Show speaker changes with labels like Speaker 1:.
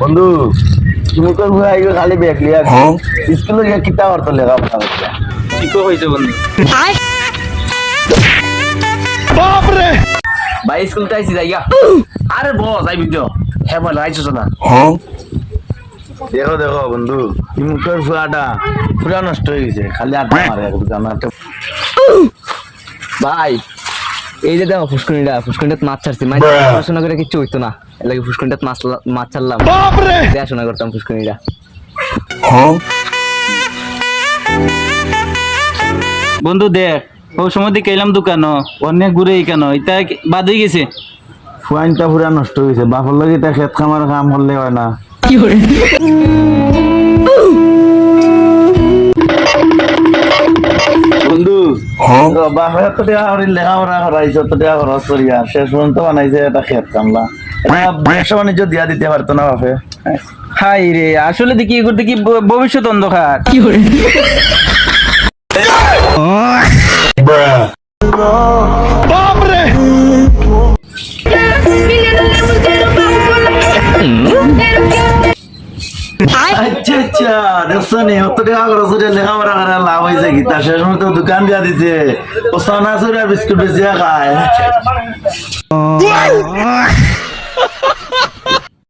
Speaker 1: বন্ধু তুমি তো খালি ব্যাগ লিয়া স্কুলে গিয়ে কিতা করতো লেখাপড়া করতে
Speaker 2: ঠিকও হয়েছে বন্ধু।
Speaker 1: ভাই স্কুলতে আইসি যাইয়া আরে বস আইবি তো হ্যাঁ বল আইসো না দেখো দেখো বন্ধু মুখের ফুয়াটা পুরা নষ্ট হয়ে গেছে খালি আটা মারে জানাতে
Speaker 3: ভাই এই যে দেখো ফুসকুনিটা মাছ ছাড়ছি মানে পড়াশোনা করে কিছু হইতো না এর লাগে ফুসকুনিটা মাছ ছাড়লাম দেখাশোনা করতাম ফুসকুনিটা।
Speaker 2: বন্ধু দেখ ও সময় দিকে এলাম দোকান অনেক ঘুরে কেন এটা বাদ হয়ে গেছে।
Speaker 1: ফুয়াইনটা পুরা নষ্ট হয়ে গেছে বাপর লাগে এটা খেত খামার কাম করলে হয় না বন্ধু বাপের তো লেখাপড়া করাইছে তো খরচ করিয়া শেষ পর্যন্ত বানাইছে এটা খেত কামলা ব্যবসা বাণিজ্য দিয়া দিতে পারতো না বাপে।
Speaker 2: হাই রে আসলে দেখি এগুলো দেখি ভবিষ্যৎ অন্ধকার।
Speaker 1: আচ্ছা আচ্ছা দেখছো নি অত টাকা খরচ করে লেখাপড়া করে লাভ হয়েছে কি তার শেষ মতো দোকান দিয়া দিছে ও সানা সুরা বিস্কুট বেচিয়া খায়।